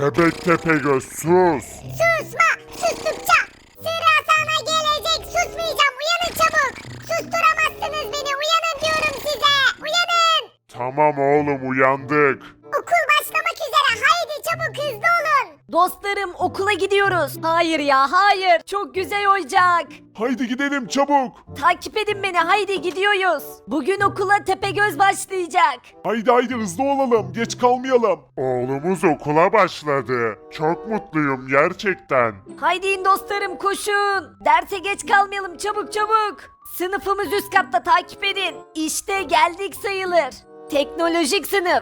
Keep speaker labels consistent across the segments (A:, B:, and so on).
A: Bebek Tepegöz sus.
B: Susma. Sustukça sıra sana gelecek. Susmayacağım. Uyanın çabuk. Susturamazsınız beni. Uyanın diyorum size. Uyanın.
A: Tamam oğlum uyandık.
B: Okul başlamak üzere. Haydi çabuk hızlı olun.
C: Dostlarım okula gidiyoruz. Hayır ya hayır. Çok güzel olacak.
A: Haydi gidelim çabuk.
C: Takip edin beni haydi gidiyoruz. Bugün okula Tepegöz başlayacak.
A: Haydi hızlı olalım geç kalmayalım. Oğlumuz okula başladı. Çok mutluyum gerçekten.
C: Haydi in dostlarım koşun. Derse geç kalmayalım çabuk çabuk. Sınıfımız üst katta takip edin. İşte geldik sayılır. Teknolojik sınıf.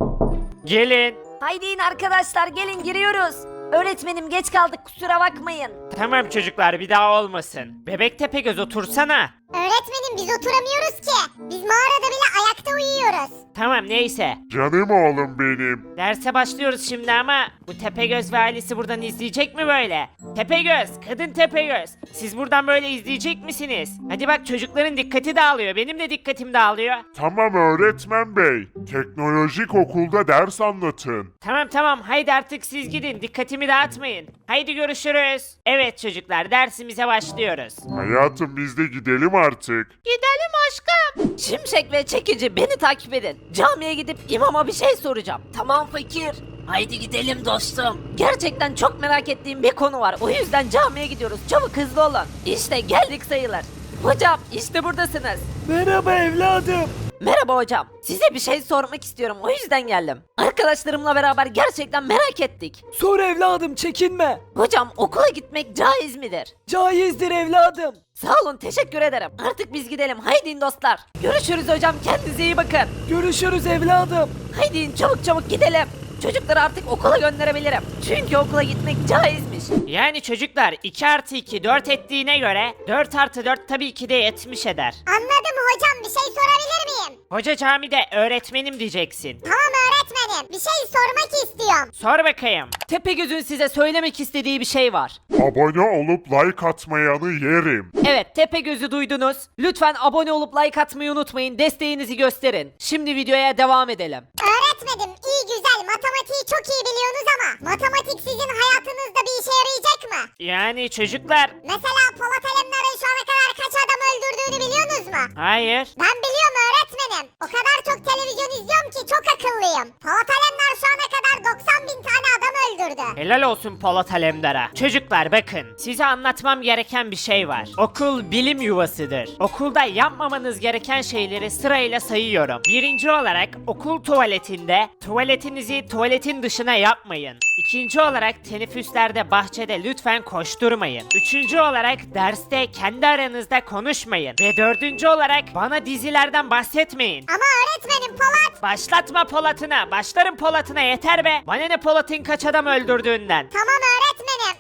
D: Gelin.
C: Haydi in arkadaşlar gelin giriyoruz. Öğretmenim geç kaldık kusura bakmayın.
D: Tamam çocuklar bir daha olmasın. Bebek Tepegöz otursana.
B: Öğretmenim biz oturamıyoruz ki. Biz mağarada bile ayakta uyuyoruz.
D: Tamam neyse.
A: Canım oğlum benim.
D: Derse başlıyoruz şimdi ama bu Tepegöz ve ailesi buradan izleyecek mi böyle? Tepegöz, kadın Tepegöz. Siz buradan böyle izleyecek misiniz? Hadi bak çocukların dikkati dağılıyor. Benim de dikkatim dağılıyor.
A: Tamam öğretmen bey. Teknolojik okulda ders anlatın.
D: Tamam haydi artık siz gidin. Dikkatimi dağıtmayın. Haydi görüşürüz. Evet çocuklar dersimize başlıyoruz.
A: Hayatım biz de gidelim artık.
C: Gidelim aşkım. Şimşek ve Çekici beni takip edin. Camiye gidip imama bir şey soracağım. Tamam fakir. Haydi gidelim dostum. Gerçekten çok merak ettiğim bir konu var. O yüzden camiye gidiyoruz. Çabuk hızlı olun. İşte geldik sayılır. Hocam işte buradasınız.
E: Merhaba evladım.
C: Merhaba hocam. Size bir şey sormak istiyorum. O yüzden geldim. Arkadaşlarımla beraber gerçekten merak ettik.
E: Sor evladım çekinme.
C: Hocam okula gitmek caiz midir?
E: Caizdir evladım.
C: Sağ olun teşekkür ederim. Artık biz gidelim. Haydi dostlar. Görüşürüz hocam. Kendinize iyi bakın.
E: Görüşürüz evladım.
C: Haydi çabuk çabuk gidelim. Çocukları artık okula gönderebilirim. Çünkü okula gitmek caizmiş.
D: Yani çocuklar 2 artı 2 4 ettiğine göre 4 artı 4 tabii ki de 70 eder.
B: Anladım hocam, bir şey sorabilir miyim?
D: Hoca camide öğretmenim diyeceksin.
B: Tamam öğretmenim, bir şey sormak istiyorum.
D: Sor bakayım.
C: Tepegöz'ün size söylemek istediği bir şey var.
A: Abone olup like atmayanı yerim.
C: Evet Tepegöz'ü duydunuz. Lütfen abone olup like atmayı unutmayın. Desteğinizi gösterin. Şimdi videoya devam edelim.
B: Öğretmenim, iyi güzel matematiği çok iyi biliyorsunuz ama matematik sizin hayatınızda bir işe yarayacak mı?
D: Yani çocuklar.
B: Mesela Polat Alemdar'ın şu ana kadar kaç adam öldürdüğünü biliyorsunuz mu?
D: Hayır.
B: Ben biliyorum öğretmenim. O kadar çok televizyon izliyorum ki çok akıllıyım. Polat Alemdar şu ana kadar 90 bin tane adam öldürdü.
D: Helal olsun Polat Alemdar'a. Çocuklar bakın, size anlatmam gereken bir şey var. Okul bilim yuvasıdır. Okulda yapmamanız gereken şeyleri sırayla sayıyorum. Birinci olarak okul tuvaletinde tuvaletinizi tuvaletin dışına yapmayın. İkinci olarak teneffüslerde bahçede lütfen koşturmayın. Üçüncü olarak derste kendi aranızda konuşmayın. Ve dördüncü olarak bana dizilerden bahsetmeyin.
B: Ama öğretmenim Polat.
D: Başlatma Polat'ına. Başlarım Polat'ına yeter be. Bana ne Polat'ın kaç adam öldürdüğünden.
B: Tamam öğretmenim.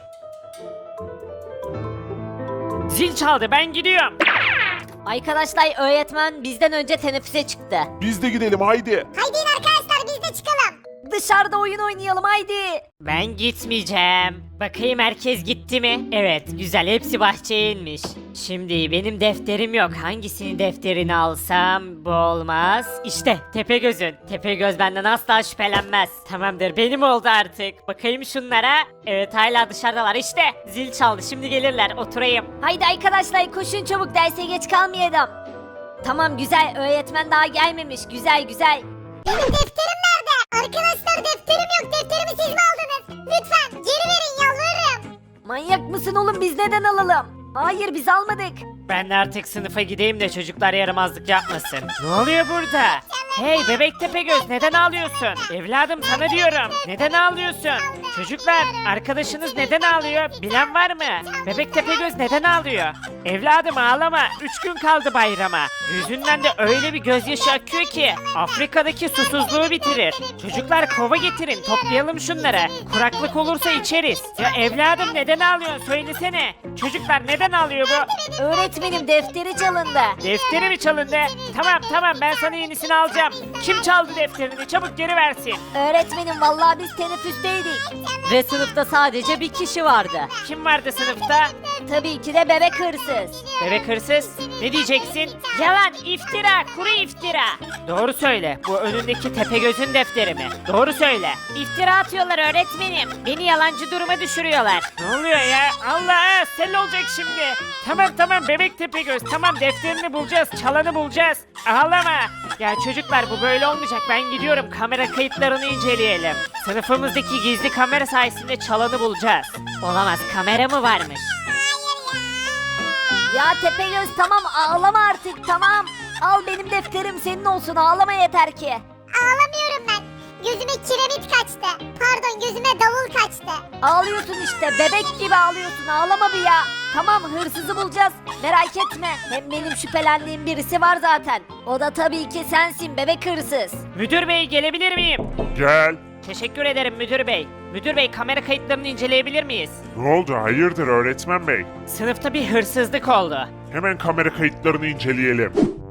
D: Zil çaldı ben gidiyorum.
C: Arkadaşlar öğretmen bizden önce teneffüse çıktı.
A: Biz de gidelim haydi.
B: Haydi in arkadaşlar biz de çıkalım.
C: Dışarıda oyun oynayalım haydi.
D: Ben gitmeyeceğim. Bakayım herkes gitti mi? Evet güzel hepsi bahçeye inmiş. Şimdi benim defterim yok. Hangisinin defterini alsam bu olmaz. İşte Tepegöz'ün. Tepegöz benden asla şüphelenmez. Tamamdır benim oldu artık. Bakayım şunlara. Evet hala dışarıdalar işte. Zil çaldı şimdi gelirler oturayım.
C: Haydi arkadaşlar koşun çabuk derse geç kalmayalım. Tamam güzel öğretmen daha gelmemiş güzel güzel.
B: Benim defterim nerede? Arkadaşlar defterim yok. Defterimi siz mi aldınız? Lütfen geri verin yalvarırım.
C: Manyak mısın oğlum biz neden alalım? Hayır biz almadık.
D: Ben de artık sınıfa gideyim de çocuklar yaramazlık yapmasın. Ne oluyor burada? Hey bebek Tepegöz neden ağlıyorsun? Evladım sana diyorum. Neden ağlıyorsun? Çocuklar arkadaşınız neden ağlıyor? Bilen var mı? Bebek Tepegöz neden ağlıyor? Evladım ağlama. 3 gün kaldı bayrama. Yüzünden de öyle bir gözyaşı akıyor ki Afrika'daki susuzluğu bitirir. Çocuklar kova getirin toplayalım şunları. Kuraklık olursa içeriz. Ya evladım neden ağlıyorsun söylesene. Çocuklar neden ağlıyor bu?
C: Öğretmenim defteri çalındı.
D: Defteri mi çalındı? Tamam ben sana yenisini alacağım. Kim çaldı defterini? Çabuk geri versin.
C: Öğretmenim vallahi biz teneffüsteydik. Ve sınıfta sadece bir kişi vardı.
D: Kim vardı sınıfta?
C: Tabii ki de bebek hırsız.
D: Bebek hırsız, ne diyeceksin? Yalan, iftira, kuru iftira. Doğru söyle, bu önündeki Tepegöz'ün defteri mi? Doğru söyle.
C: İftira atıyorlar öğretmenim. Beni yalancı duruma düşürüyorlar.
D: Ne oluyor ya? Allah, sel olacak şimdi. Tamam bebek Tepegöz, tamam defterini bulacağız, çalanı bulacağız. Ağlama. Ya çocuklar bu böyle olmayacak, ben gidiyorum kamera kayıtlarını inceleyelim. Sınıfımızdaki gizli kamera sayesinde çalanı bulacağız.
C: Olamaz, kamera mı varmış? Ya Tepegöz tamam ağlama artık tamam. Al benim defterim senin olsun ağlama yeter ki.
B: Ağlamıyorum ben. Gözüme kiremit kaçtı. Pardon, gözüme davul kaçtı.
C: Ağlıyorsun işte bebek gibi ağlıyorsun ağlama bir ya. Tamam hırsızı bulacağız merak etme. Hem benim şüphelendiğim birisi var zaten. O da tabii ki sensin bebek hırsız.
D: Müdür bey gelebilir miyim?
A: Gel.
D: Teşekkür ederim müdür bey. Müdür bey kamera kayıtlarını inceleyebilir miyiz?
A: Ne oldu hayırdır öğretmen bey?
D: Sınıfta bir hırsızlık oldu.
A: Hemen kamera kayıtlarını inceleyelim.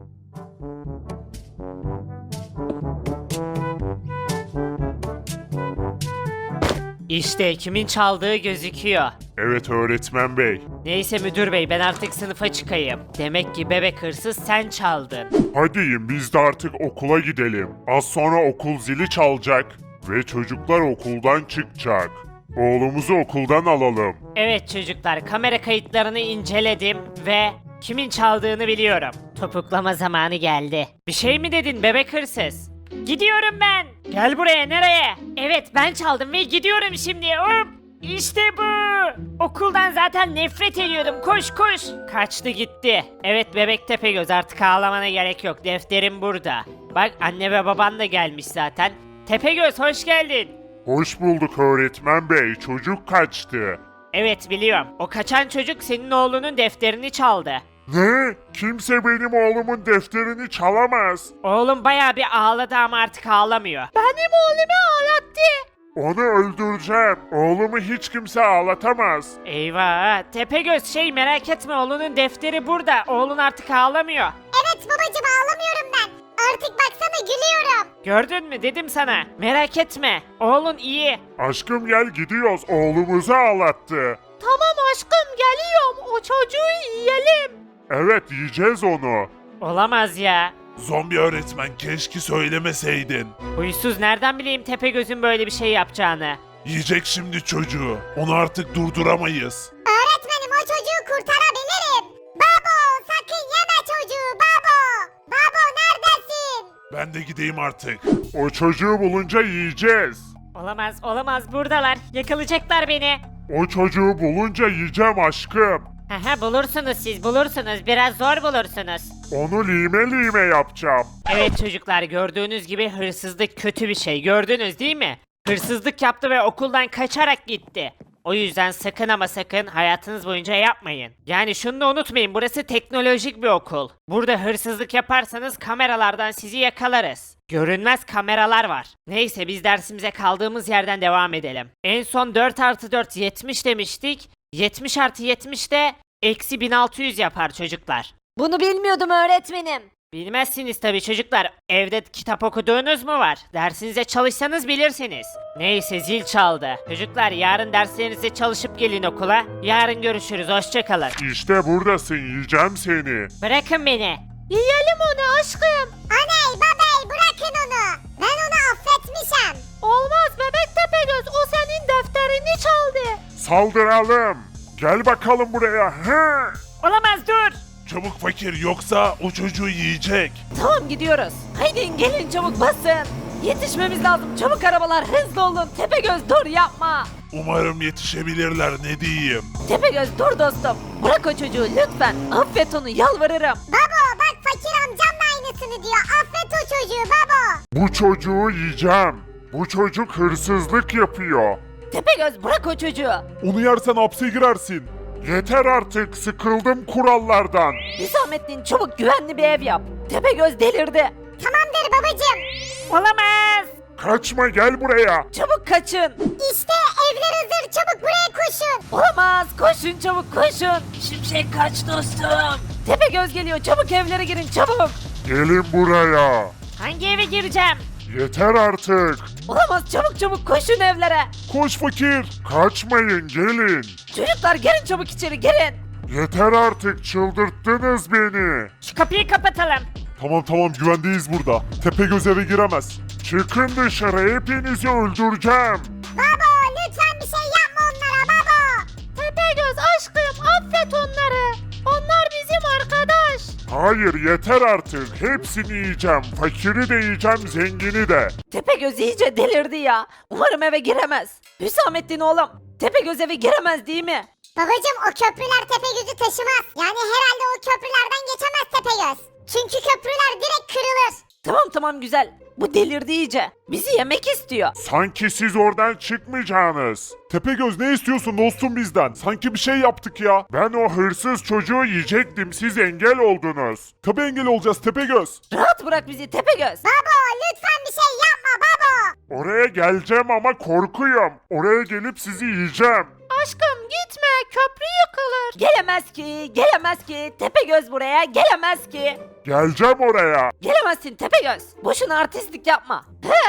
D: İşte kimin çaldığı gözüküyor.
A: Evet öğretmen bey.
D: Neyse müdür bey ben artık sınıfa çıkayım. Demek ki bebek hırsız sen çaldın.
A: Hadi biz de artık okula gidelim. Az sonra okul zili çalacak ve çocuklar okuldan çıkacak. Oğlumuzu okuldan alalım.
D: Evet çocuklar kamera kayıtlarını inceledim ve kimin çaldığını biliyorum. Topuklama zamanı geldi. Bir şey mi dedin bebek hırsız? Gidiyorum ben. Gel buraya nereye? Evet ben çaldım ve gidiyorum şimdi. Hop. İşte bu. Okuldan zaten nefret ediyordum. Koş koş. Kaçtı gitti. Evet bebek Tepegöz artık ağlamana gerek yok. Defterim burada. Bak anne ve baban da gelmiş zaten. Tepegöz hoş geldin.
A: Hoş bulduk öğretmen bey. Çocuk kaçtı.
D: Evet biliyorum. O kaçan çocuk senin oğlunun defterini çaldı.
A: Ne? Kimse benim oğlumun defterini çalamaz.
D: Oğlum bayağı bir ağladı ama artık ağlamıyor. Benim oğlumu ağlattı.
A: Onu öldüreceğim. Oğlumu hiç kimse ağlatamaz.
D: Eyvah. Tepegöz merak etme oğlunun defteri burada. Oğlun artık ağlamıyor.
B: Evet babacım, ağlamıyorum ben. Artık baksana gülüyorum.
D: Gördün mü dedim sana. Merak etme. Oğlun iyi.
A: Aşkım gel gidiyoruz. Oğlumuzu ağlattı.
C: Tamam aşkım geliyorum o çocuğu yiyelim.
A: Evet yiyeceğiz onu.
D: Olamaz ya.
A: Zombi öğretmen keşke söylemeseydin.
D: Huysuz nereden bileyim Tepegöz'ün böyle bir şey yapacağını.
A: Yiyecek şimdi çocuğu. Onu artık durduramayız.
B: Öğretmenim, o çocuğu kurtarabilirim. Babo, sakın yeme çocuğu babo. Babo neredesin?
A: Ben de gideyim artık. O çocuğu bulunca yiyeceğiz.
D: Olamaz buradalar. Yakalayacaklar beni.
A: O çocuğu bulunca yiyeceğim aşkım.
D: Haha bulursunuz siz bulursunuz. Biraz zor bulursunuz.
A: Onu lime lime yapacağım.
D: Evet çocuklar gördüğünüz gibi hırsızlık kötü bir şey gördünüz değil mi? Hırsızlık yaptı ve okuldan kaçarak gitti. O yüzden sakın ama sakın hayatınız boyunca yapmayın. Yani şunu da unutmayın burası teknolojik bir okul. Burada hırsızlık yaparsanız kameralardan sizi yakalarız. Görünmez kameralar var. Neyse biz dersimize kaldığımız yerden devam edelim. En son 4 artı 4 70 demiştik. 70 artı 70 de eksi 1600 yapar çocuklar.
C: Bunu bilmiyordum öğretmenim.
D: Bilmezsiniz tabii çocuklar. Evde kitap okuduğunuz mu var? Dersinize çalışsanız bilirsiniz. Neyse zil çaldı. Çocuklar yarın derslerinize çalışıp gelin okula. Yarın görüşürüz. Hoşçakalın.
A: İşte buradasın yiyeceğim seni.
D: Bırakın beni.
C: Yiyelim onu aşkım.
B: Aney babey, bırakın onu. Ben onu affetmişim.
C: Olmaz bebek Tepegöz o senin defterini çaldı.
A: Saldıralım. Gel bakalım buraya. Hı.
D: Olamaz dur.
A: Çabuk fakir yoksa o çocuğu yiyecek.
C: Tamam gidiyoruz. Haydi gelin çabuk basın. Yetişmemiz lazım çabuk arabalar hızlı olun. Tepegöz dur yapma.
A: Umarım yetişebilirler ne diyeyim.
C: Tepegöz dur dostum. Bırak o çocuğu lütfen. Affet onu yalvarırım.
B: Babo bak, fakir amcam da aynısını diyor. Affet o çocuğu babo.
A: Bu çocuğu yiyeceğim. Bu çocuk hırsızlık yapıyor.
C: Tepegöz bırak o çocuğu.
A: Onu yersen hapse girersin. Yeter artık sıkıldım kurallardan.
C: Hüsamettin çabuk güvenli bir ev yap. Tepegöz delirdi.
B: Tamamdır babacım.
D: Olamaz.
A: Kaçma gel buraya.
C: Çabuk kaçın.
B: İşte evler hazır, çabuk buraya koşun.
C: Olamaz koşun çabuk koşun. Şimşek kaç dostum. Tepegöz geliyor çabuk evlere girin çabuk.
A: Gelin buraya.
D: Hangi eve gireceğim?
A: Yeter artık.
C: Olamaz, çabuk çabuk koşun evlere.
A: Koş fakir. Kaçmayın, gelin.
C: Çocuklar gelin çabuk içeri, gelin.
A: Yeter artık, çıldırttınız beni.
D: Şu kapıyı kapatalım.
A: Tamam güvendeyiz burada. Tepegöz eve giremez. Çıkın dışarı, hepinizi öldüreceğim.
B: Baba lütfen bir şey yapma onlara baba.
C: Tepegöz aşkım, affet onları. Onlar bizim arkadaş.
A: Hayır, yeter artık. Hepsini yiyeceğim. Fakiri de yiyeceğim, zengini de.
C: Tepegöz iyice delirdi ya. Umarım eve giremez. Hüsamettin oğlum, Tepegöz eve giremez değil mi?
B: Babacım o köprüler Tepegöz'ü taşımaz. Yani herhalde o köprülerden geçemez Tepegöz. Çünkü köprüler direkt kırılır.
C: Tamam güzel. Bu delirdi iyice. Bizi yemek istiyor.
A: Sanki siz oradan çıkmayacaksınız. Tepegöz, ne istiyorsun dostum bizden? Sanki bir şey yaptık ya. Ben o hırsız çocuğu yiyecektim, siz engel oldunuz. Tabii engel olacağız Tepegöz.
C: Rahat bırak bizi Tepegöz.
B: Baba lütfen bir şey yapma baba.
A: Oraya geleceğim ama korkuyorum. Oraya gelip sizi yiyeceğim.
C: Aşkım gitme, köprü yıkılır. Gelemez ki. Tepegöz buraya gelemez ki.
A: Geleceğim oraya.
C: Gelemezsin Tepegöz. Boşuna artistlik yapma.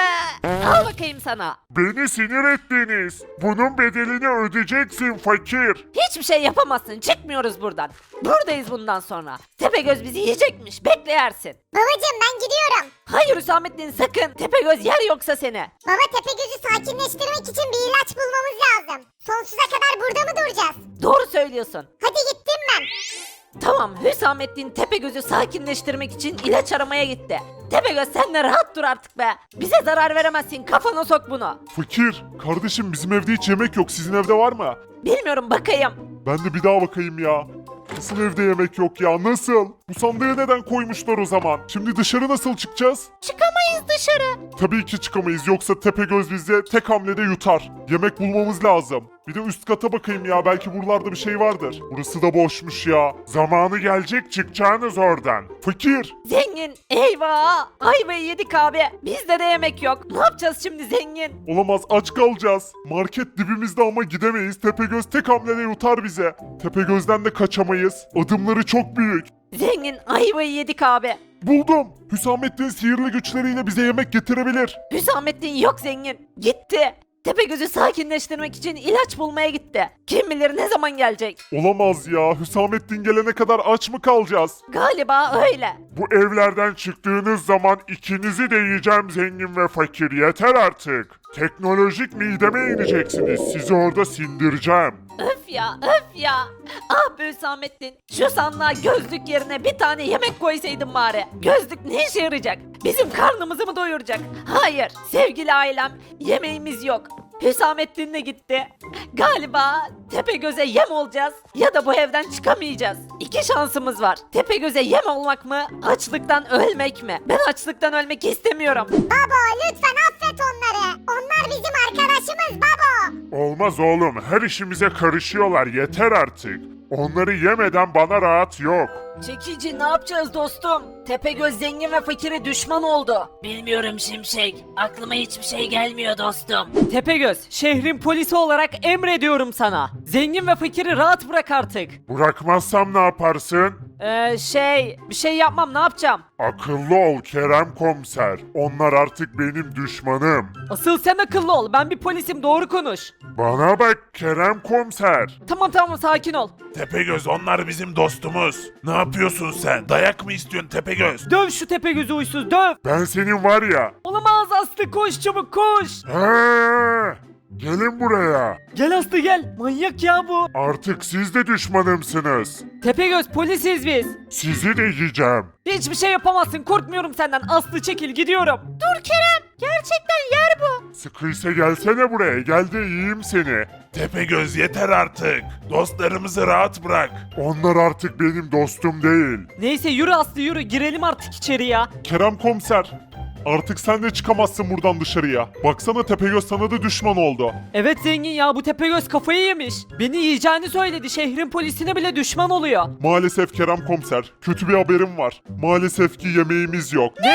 C: Al bakayım sana.
A: Beni sinir ettiniz. Bunun bedelini ödeyeceksin fakir.
C: Hiçbir şey yapamazsın. Çıkmıyoruz buradan. Buradayız bundan sonra. Tepegöz bizi yiyecekmiş. Bekle yersin.
B: Babacım ben gidiyorum.
C: Hayır Hüsamettin sakın. Tepegöz yer yoksa seni.
B: Baba Tepegöz'ü sakinleştirmek için bir ilaç bulmamız lazım. Sonsuza kadar burada mı duracağız?
C: Doğru söylüyorsun.
B: Hadi gittim ben.
C: Tamam, Hüsamettin Tepegöz'ü sakinleştirmek için ilaç aramaya gitti. Tepegöz sen de rahat dur artık be. Bize zarar veremezsin, kafana sok bunu.
A: Fakir, kardeşim bizim evde hiç yemek yok. Sizin evde var mı?
C: Bilmiyorum, bakayım.
A: Ben de bir daha bakayım ya. Nasıl evde yemek yok ya? Nasıl? Bu sandığı neden koymuşlar o zaman? Şimdi dışarı nasıl çıkacağız?
C: Çıkamayız dışarı.
A: Tabii ki çıkamayız, yoksa Tepegöz bizi tek hamlede yutar. Yemek bulmamız lazım. Bir de üst kata bakayım ya, belki buralarda bir şey vardır. Burası da boşmuş ya. Zamanı gelecek, çıkacağınız oradan. Fakir,
C: Zengin, eyvah! Ayvayı yedik abi. Bizde de yemek yok. Ne yapacağız şimdi zengin?
A: olamaz, aç kalacağız. Market dibimizde ama gidemeyiz. Tepegöz tek hamlede yutar bize. Tepegöz'den de kaçamayız. Adımları çok büyük.
C: Zengin, ayvayı yedik abi.
A: Buldum. Hüsamettin sihirli güçleriyle bize yemek getirebilir.
C: Hüsamettin yok zengin. Gitti. Tepegöz'ü sakinleştirmek için ilaç bulmaya gitti. Kim bilir ne zaman gelecek?
A: Olamaz ya. Hüsamettin gelene kadar aç mı kalacağız?
C: Galiba öyle.
A: Bu evlerden çıktığınız zaman ikinizi de yiyeceğim, zengin ve fakir. Yeter artık. Teknolojik mideme ineceksiniz. Sizi orada sindireceğim.
C: Öf ya. Ah be Hüsamettin. Şu sandığa gözlük yerine bir tane yemek koysaydın bari. Gözlük ne işe yarayacak? Bizim karnımızı mı doyuracak? Hayır sevgili ailem, yemeğimiz yok. Hüsamettin de gitti. Galiba Tepegöz'e yem olacağız ya da bu evden çıkamayacağız. İki şansımız var. Tepegöz'e yem olmak mı, açlıktan ölmek mi? Ben açlıktan ölmek istemiyorum.
B: Baba lütfen affet onları. Onlar bizim arkadaşımız baba.
A: Olmaz oğlum. Her işimize karışıyorlar. Yeter artık. Onları yemeden bana rahat yok.
C: Çekici ne yapacağız dostum? Tepegöz zengin ve fakire düşman oldu. Bilmiyorum Şimşek. Aklıma hiçbir şey gelmiyor dostum.
E: Tepegöz, şehrin polisi olarak emrediyorum sana. Zengin ve fakiri rahat bırak artık.
A: Bırakmazsam ne yaparsın?
E: Bir şey yapmam, ne yapacağım?
A: Akıllı ol Kerem komiser. Onlar artık benim düşmanım.
E: Asıl sen akıllı ol, ben bir polisim, doğru konuş.
A: Bana bak Kerem komiser.
E: Tamam sakin ol.
F: Tepegöz, onlar bizim dostumuz. Ne yapıyorsun sen? Dayak mı istiyorsun Tepegöz?
E: Döv şu Tepegöz'ü uysuz, döv.
A: Ben senin var ya.
E: Olamaz Aslı, koş çabuk koş.
A: Gelin buraya.
E: Gel Aslı gel, manyak ya bu.
A: Artık siz de düşmanımsınız.
E: Tepegöz, polisiz biz.
A: Sizi de yiyeceğim.
E: Hiçbir şey yapamazsın, korkmuyorum senden. Aslı çekil, gidiyorum.
C: Dur Kerem. Gerçekten yer bu.
A: Sıkıysa gelsene buraya. Gel de yiyeyim seni.
F: Tepegöz, yeter artık. Dostlarımızı rahat bırak.
A: Onlar artık benim dostum değil.
E: Neyse yürü Aslı yürü, girelim artık içeri ya.
A: Kerem komiser. Artık sen de çıkamazsın buradan dışarıya. Baksana Tepegöz sana da düşman oldu.
E: Evet zengin ya, bu Tepegöz kafayı yemiş. Beni yiyeceğini söyledi, şehrin polisine bile düşman oluyor.
A: Maalesef Kerem komiser. Kötü bir haberim var. Maalesef ki yemeğimiz yok.
E: Ne?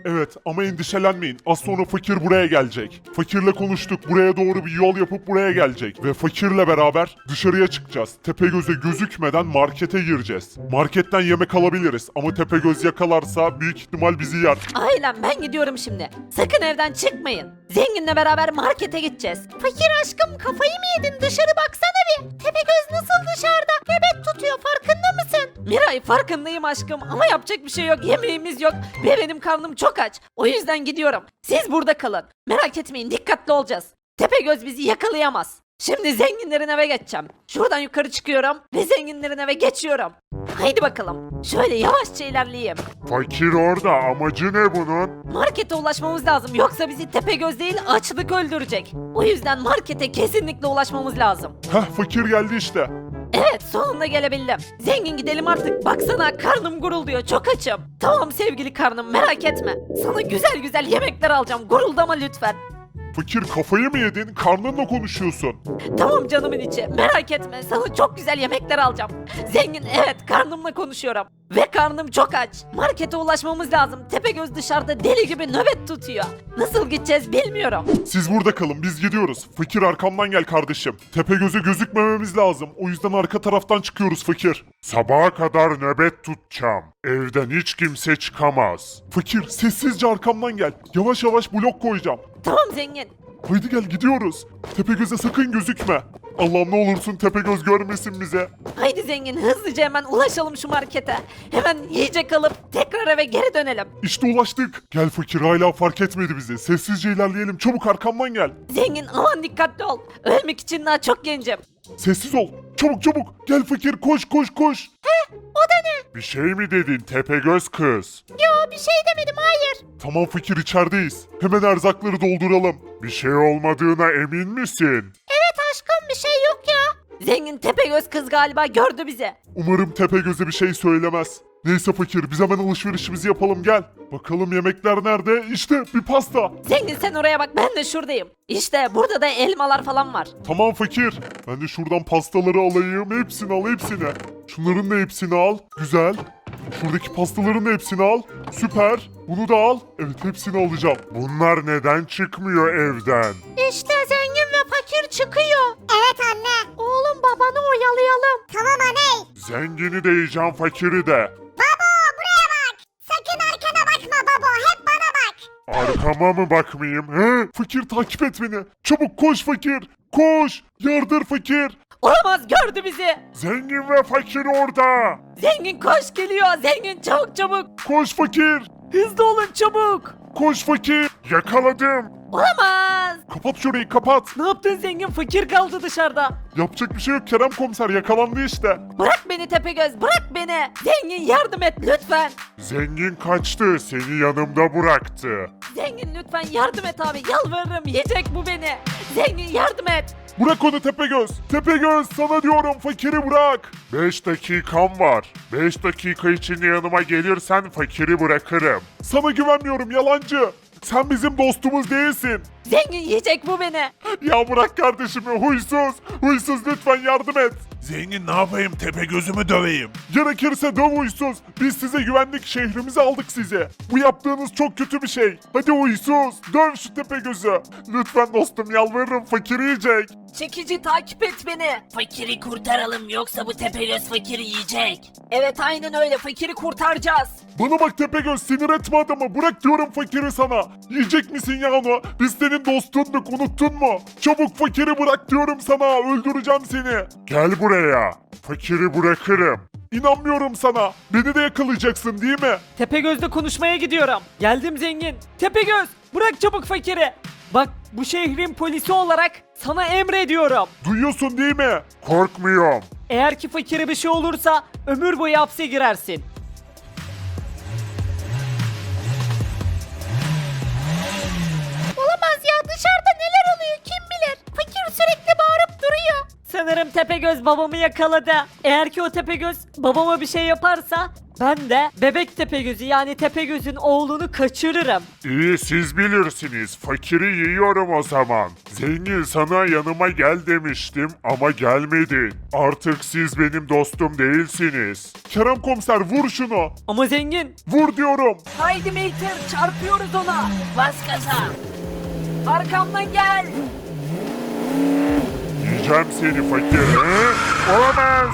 A: Evet ama endişelenmeyin. Az sonra fakir buraya gelecek. Fakirle konuştuk. Buraya doğru bir yol yapıp buraya gelecek. Ve fakirle beraber dışarıya çıkacağız. Tepegöz'e gözükmeden markete gireceğiz. Marketten yemek alabiliriz ama Tepegöz yakalarsa büyük ihtimal bizi yer.
C: Ailem ben gidiyorum şimdi. Sakın evden çıkmayın. Zenginle beraber markete gideceğiz. Fakir aşkım kafayı mı yedin? Dışarı baksana bir. Tepegöz nasıl dışarıda? Nöbet tutuyor farkında mısın? Miray farkındayım aşkım ama yapacak bir şey yok. Yemeğimiz yok ve benim karnım çok aç. O yüzden gidiyorum. Siz burada kalın. Merak etmeyin dikkatli olacağız. Tepegöz bizi yakalayamaz. Şimdi zenginlerin eve geçeceğim. Şuradan yukarı çıkıyorum ve zenginlerin eve geçiyorum. Haydi bakalım. Şöyle yavaşça ilerleyeyim.
A: Fakir orada. Amacı ne bunun?
C: Markete ulaşmamız lazım yoksa bizi Tepegöz değil açlık öldürecek. O yüzden markete kesinlikle ulaşmamız lazım.
A: Heh fakir geldi işte.
C: Evet sonunda gelebildim. Zengin gidelim artık. Baksana karnım gurulduyor çok açım. Tamam sevgili karnım merak etme. Sana güzel güzel yemekler alacağım. Guruldama lütfen.
A: Fakir kafayı mı yedin? Karnınla konuşuyorsun.
C: Tamam canımın içi merak etme sana çok güzel yemekler alacağım. Zengin evet karnımla konuşuyorum. Ve karnım çok aç. Markete ulaşmamız lazım. Tepegöz dışarıda deli gibi nöbet tutuyor. Nasıl gideceğiz bilmiyorum.
A: Siz burada kalın biz gidiyoruz. Fakir arkamdan gel kardeşim. Tepegöz'e gözükmememiz lazım. O yüzden arka taraftan çıkıyoruz fakir. Sabaha kadar nöbet tutacağım. Evden hiç kimse çıkamaz. Fakir sessizce arkamdan gel. Yavaş yavaş blok koyacağım.
C: Tamam zengin.
A: Haydi gel gidiyoruz. Tepegöz'e sakın gözükme. Allah'ım ne olursun Tepegöz görmesin bize.
C: Haydi zengin hızlıca hemen ulaşalım şu markete. Hemen yiyecek alıp tekrar eve geri dönelim.
A: İşte ulaştık. Gel fakir hala fark etmedi bizi. Sessizce ilerleyelim. Çabuk arkamdan gel.
C: Zengin aman dikkatli ol. Ölmek için daha çok gencim.
A: Sessiz ol. Çabuk çabuk. Gel fakir koş koş koş.
C: O da ne?
A: Bir şey mi dedin Tepegöz kız?
C: Yo bir şey demedim hayır.
A: Tamam fakir içerideyiz. Hemen erzakları dolduralım. Bir şey olmadığına emin misin?
C: Evet aşkım bir şey yok ya. Zengin Tepegöz kız galiba gördü bizi.
A: Umarım Tepegöz'e bir şey söylemez. Neyse fakir biz hemen alışverişimizi yapalım gel. Bakalım yemekler nerede? İşte bir pasta.
C: Zengin sen oraya bak ben de şuradayım. İşte burada da elmalar falan var.
A: Tamam fakir. Ben de şuradan pastaları alayım. Hepsini al hepsini. Şunların da hepsini al. Güzel. Şuradaki pastaların da hepsini al. Süper. Bunu da al. Evet hepsini alacağım. Bunlar neden çıkmıyor evden?
C: İşte zengin ve fakir çıkıyor.
B: Evet anne.
C: Oğlum babanı oyalayalım.
B: Tamam anne.
A: Zengini de yiyeceğim fakiri de.
B: Babo buraya bak. Sakın arkana bakma babo. Hep bana bak.
A: Arkama mı bakmayayım? He? Fakir takip et beni. Çabuk koş fakir. Koş. Yardır fakir.
C: Olamaz gördü bizi.
A: Zengin ve fakir orada.
C: Zengin koş geliyor. Zengin çabuk çabuk.
A: Koş fakir.
E: Hızlı olun çabuk.
A: Koş fakir. Yakaladım.
C: Olamaz.
A: Kapat şurayı kapat.
E: Ne yaptın zengin? Fakir kaldı dışarıda.
A: Yapacak bir şey yok Kerem komiser yakalandı işte.
C: Bırak beni Tepegöz bırak beni. Zengin yardım et lütfen.
A: Zengin kaçtı seni yanımda bıraktı.
C: Zengin lütfen yardım et abi yalvarırım yiyecek bu beni. Zengin yardım et.
A: Bırak onu Tepegöz. Tepegöz sana diyorum fakiri bırak. 5 dakikam var. 5 dakika içinde yanıma gelirsen fakiri bırakırım. Sana güvenmiyorum yalancı. Sen bizim dostumuz değilsin.
C: Zengin yiyecek bu beni.
A: Ya bırak kardeşimi huysuz. Huysuz lütfen yardım et.
F: Zengin ne yapayım Tepegöz'ümü döveyim.
A: Gerekirse döv huysuz. Biz size güvenlik şehrimizi aldık size. Bu yaptığınız çok kötü bir şey. Hadi huysuz döv şu Tepegöz'ü. Lütfen dostum yalvarırım fakir yiyecek.
C: Çekici takip et beni. Fakiri kurtaralım yoksa bu Tepegöz fakiri yiyecek. Evet aynen öyle fakiri kurtaracağız.
A: Bana bak Tepegöz sinir etme adamı. Bırak diyorum fakiri sana. Yiyecek misin ya onu? Biz senin dostunduk unuttun mu? Çabuk fakiri bırak diyorum sana. Öldüreceğim seni. Gel buraya. Fakiri bırakırım. İnanmıyorum sana. Beni de yakalayacaksın değil mi?
E: Tepegöz'le konuşmaya gidiyorum. Geldim zengin. Tepegöz bırak çabuk fakiri. Bak bu şehrin polisi olarak sana emrediyorum.
A: Duyuyorsun değil mi? Korkmuyorum.
E: Eğer ki fakire bir şey olursa ömür boyu hapse girersin.
C: Olamaz ya dışarıda neler oluyor kim bilir. Fakir sürekli bağırıp duruyor.
E: Sanırım Tepegöz babamı yakaladı. Eğer ki o Tepegöz babama bir şey yaparsa ben de bebek Tepegöz'ü yani Tepegöz'ün oğlunu kaçırırım.
A: İyi siz bilirsiniz. Fakiri yiyorum o zaman. Zengin sana yanıma gel demiştim ama gelmedin. Artık siz benim dostum değilsiniz. Kerem komiser vur şunu.
E: Ama zengin
A: Vur diyorum.
E: haydi Mater çarpıyoruz ona.
C: Bas gaza.
E: Arkamdan gel.
A: Yiyeceğim seni fakir. He? Olamaz.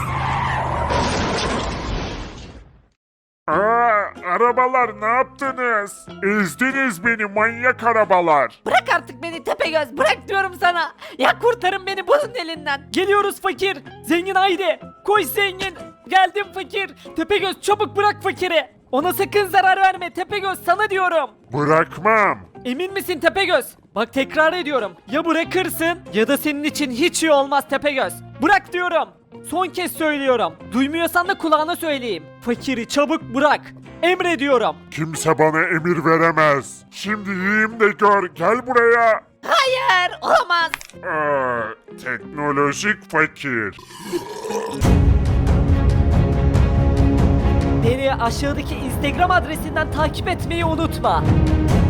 A: Arabalar ne yaptınız? Ezdiniz beni manyak arabalar.
C: Bırak artık beni Tepegöz, bırak diyorum sana. Ya kurtarın beni bunun elinden.
E: Geliyoruz fakir. Zengin haydi. Koş zengin. Geldim fakir. Tepegöz çabuk bırak fakiri. Ona sakın zarar verme Tepegöz sana diyorum.
A: Bırakmam.
E: Emin misin Tepegöz? Bak tekrar ediyorum. Ya bırakırsın ya da senin için hiç iyi olmaz Tepegöz. Bırak diyorum. Son kez söylüyorum. Duymuyorsan da kulağına söyleyeyim. Fakiri çabuk bırak. Emrediyorum.
A: Kimse bana emir veremez. Şimdi yiyeyim de gör. Gel buraya.
C: Hayır, olamaz.
A: Teknolojik fakir.
E: Beni aşağıdaki Instagram adresinden takip etmeyi unutma.